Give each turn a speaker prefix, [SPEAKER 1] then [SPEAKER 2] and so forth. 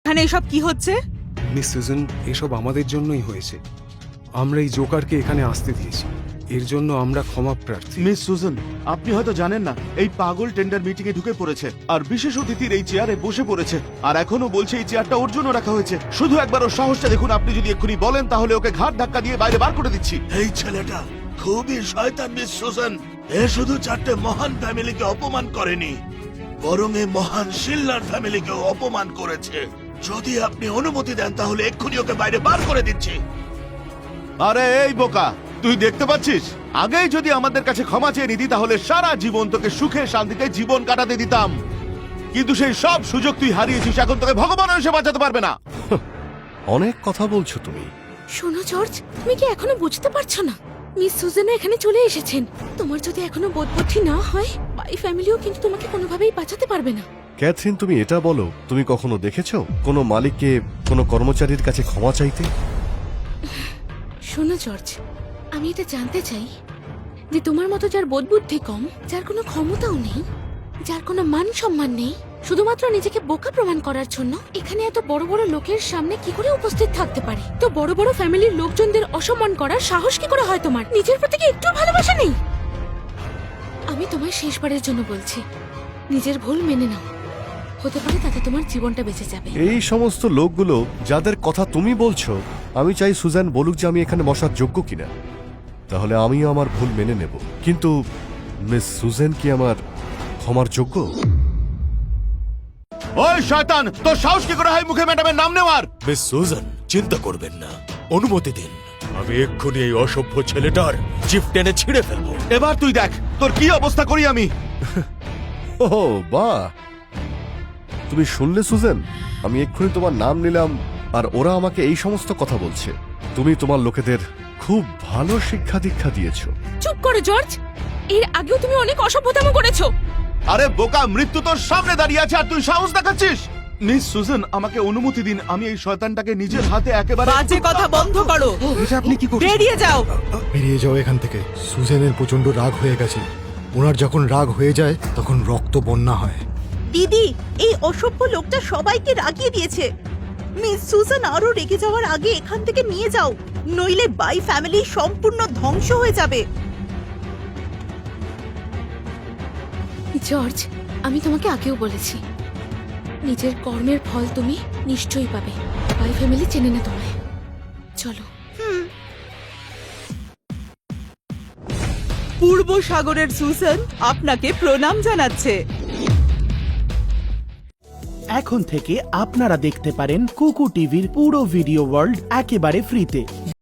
[SPEAKER 1] এখানে এসব কি হচ্ছে?
[SPEAKER 2] মিস সুজন, এসব আমাদের জন্যই হয়েছে। আমরা এই জোকারকে এখানে আসতে দিয়েছি, এর জন্য আমরা ক্ষমা প্রার্থী।
[SPEAKER 3] মিস সুজন, আপনি হয়তো জানেন না এই পাগল টেন্ডার মিটিং এ ঢুকে পড়েছে আর বিশেষ অতিথির এই চেয়ারে বসে পড়েছে আর এখনো বলছে এই চেয়ারটা ওর জন্য রাখা হয়েছে। শুধু একবার ওর সাহসটা দেখুন, আপনি যদি এক্ষুনি বলেন তাহলে ওকে ঘাট ধাক্কা দিয়ে বাইরে বার করে দিচ্ছি।
[SPEAKER 4] এই ছেলেটা খুবই শয়তান মিস সুজন। এ শুধু 4টে মহান ফ্যামিলিকে অপমান করেনি, বরং এই মহান শিল্লার ফ্যামিলিকেও অপমান করেছে। যদি আপনি অনুমতি দেন তাহলে এক্ষুনি ওকে বাইরে বার করে দিচ্ছি।
[SPEAKER 3] আরে এই বোকা, তুই দেখতে পাচ্ছিস, আগেই যদি আমাদের কাছে ক্ষমা চেয়ে নিতি তাহলে সারা জীবন তোকে সুখে শান্তিতে জীবন কাটাতে দিতাম, কিন্তু সেই সব সুযোগ তুই হারিয়েছিস। এখন তোকে ভগবান এসে বাঁচাতে পারবে না।
[SPEAKER 5] অনেক কথা বলছো তুমি।
[SPEAKER 6] শোনো জর্জ, তুমি কি এখনো বুঝতে পারছো না? মিস সুজানা এখানে চলে এসেছেন। তোমার যদি এখনো বোধবুদ্ধি না হয়, বাই ফ্যামিলিও কিন্তু তোমাকে কোনোভাবেই বাঁচাতে পারবে না।
[SPEAKER 5] ক্যাথরিন, তুমি এটা বলো, তুমি কখনো দেখেছো কোনো মালিককে কোনো কর্মচারীর কাছে ক্ষমা চাইতে?
[SPEAKER 6] শোনো জর্জ, আমি এটা জানতে চাই যে তোমার মতো যার বোধবুদ্ধি কম, যার কোনো ক্ষমতাও নেই, যার কোনো মান সম্মান নেই, শুধুমাত্র নিজেকে বোকা প্রমাণ করার জন্য এখানে এত বড় বড় লোকের সামনে কি করে উপস্থিত থাকতে পারে? তো বড় বড় ফ্যামিলির লোকজনদের অসম্মান করার সাহস কি করে হয় তোমার? নিজের প্রতি কি একটু ভালোবাসা নেই? আমি তোমায় শেষবারের জন্য বলছি, নিজের ভুল মেনে নাও। হতে পারে তাতে তোমার জীবনটা বেঁচে যাবে।
[SPEAKER 5] এই সমস্ত লোকগুলো যাদের কথা তুমি বলছো, আমি চাই সুজান বলুক যে আমি এখানে বসার যোগ্য কিনা, তাহলে আমিও আমার ভুল মেনে নেব। কিন্তু মিস সুজান কি আমার ক্ষমার যোগ্য?
[SPEAKER 3] ওই শয়তান, তোর সাহস কি করে হয় মুখে ম্যাডামের নাম নেওয়ার?
[SPEAKER 4] মিস সুজন, চিন্তা করবেন না, অনুমতি দিন। আমি এক্ষুনি এই অসভ্য ছেলেটার জিপ টেনে ছিঁড়ে ফেলবো।
[SPEAKER 3] এবার তুই দেখ তোর কি অবস্থা করি আমি।
[SPEAKER 5] ও বাহ, তুমি শুনলে সুজান? আমি এক্ষুনি তোমার নাম নিলাম আর ওরা আমাকে এই সমস্ত কথা বলছে। তুমি তোমার লোকেদের খুব ভালো শিক্ষা দীক্ষা দিয়েছো।
[SPEAKER 6] চুপ করো জর্জ, এর আগেও তুমি অনেক অসভ্যতাম করেছো।
[SPEAKER 3] আরে বোকা, মৃত্যু তোর সামনে দাঁড়িয়ে আছে আর তুই সাহস দেখাচ্ছিস? মিস সুজন, আমাকে অনুমতি দিন, আমি এই শয়তানটাকে নিজের হাতে একেবারে।
[SPEAKER 1] বাজে কথা বন্ধ করো,
[SPEAKER 2] এটা আপনি কি করছেন?
[SPEAKER 1] বেরিয়ে যাও।
[SPEAKER 7] বেরিয়ে যাও এখান থেকে। সুজেনের প্রচন্ড রাগ হয়ে গেছে। ওনার যখন রাগ হয়ে যায় তখন রক্ত বন্যা হয়।
[SPEAKER 8] দিদি, এই অসভ্য লোকটা সবাইকে রাগিয়ে দিয়েছে। মিস সুজান আরো রেগে যাওয়ার আগে এখান থেকে নিয়ে যাও, নইলে বাই ফ্যামিলি সম্পূর্ণ ধ্বংস হয়ে যাবে।
[SPEAKER 6] জর্জ, আমি তোমাকে আগেও বলেছি, নিজের কর্মের ফল তুমি নিশ্চয়ই পাবে। বাই ফ্যামিলি চেনে না তোমায়। চলো।
[SPEAKER 1] পূর্ব সাগরের সুসান আপনাকে প্রণাম জানাচ্ছে।
[SPEAKER 9] এখন থেকে আপনারা দেখতে পারেন কুকু টিভির পুরো ভিডিও ওয়ার্ল্ড একেবারে ফ্রিতে।